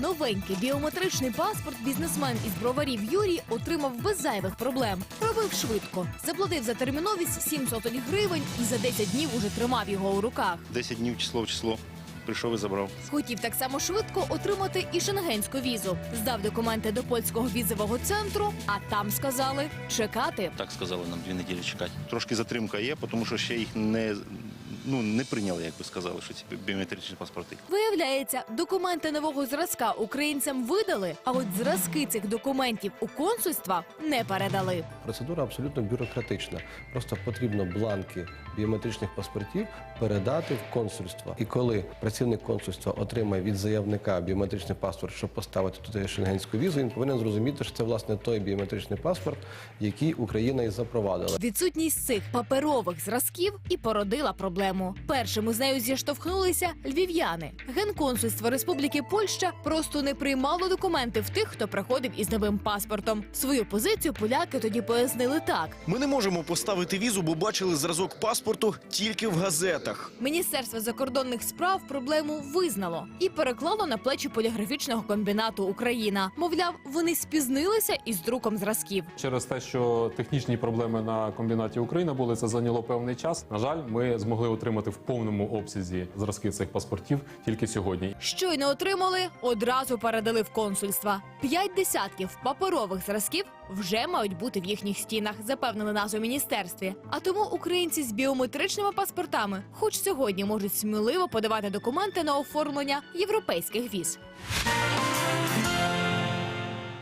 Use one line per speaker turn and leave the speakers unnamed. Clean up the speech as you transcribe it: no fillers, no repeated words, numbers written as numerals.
новенький біометричний паспорт бізнесмен із Броварів Юрій отримав без зайвих проблем. Робив швидко. Заплатив за терміновість 7 сотень гривень і за 10 днів уже тримав його у руках.
10 днів число в число. Прийшов і забрав.
Хотів так само швидко отримати і шенгенську візу. Здав документи до польського візового центру, а там сказали – чекати.
Так сказали нам 2 неділі чекати. Трошки затримка є, тому що ще їх не прийняли, як би сказали, що ці біометричні паспорти.
Виявляється, документи нового зразка українцям видали, а от зразки цих документів у консульства не передали.
Процедура абсолютно бюрократична. Просто потрібно бланки біометричних паспортів передати в консульство. І коли працівник консульства отримає від заявника біометричний паспорт, щоб поставити туди шенгенську візу, він повинен зрозуміти, що це, власне, той біометричний паспорт, який Україна і запровадила.
Відсутність цих паперових зразків і породила проблему. Першими з нею зіштовхнулися львів'яни. Генконсульство Республіки Польща просто не приймало документи в тих, хто приходив із новим паспортом. Свою позицію поляки тоді пояснили так.
Ми не можемо поставити візу, бо бачили зразок паспорту тільки в газетах.
Міністерство закордонних справ проблему визнало і переклало на плечі поліграфічного комбінату «Україна». Мовляв, вони спізнилися із друком зразків.
Через те, що технічні проблеми на комбінаті «Україна» були, це зайняло певний час. На жаль, ми змогли отримати в повному обсязі зразки цих паспортів тільки сьогодні.
Щойно отримали, одразу передали в консульства. 5 десятків паперових зразків вже мають бути в їхніх стінах, запевнили нас у міністерстві. А тому українці з біометричними паспортами хоч сьогодні можуть сміливо подавати документи на оформлення європейських віз.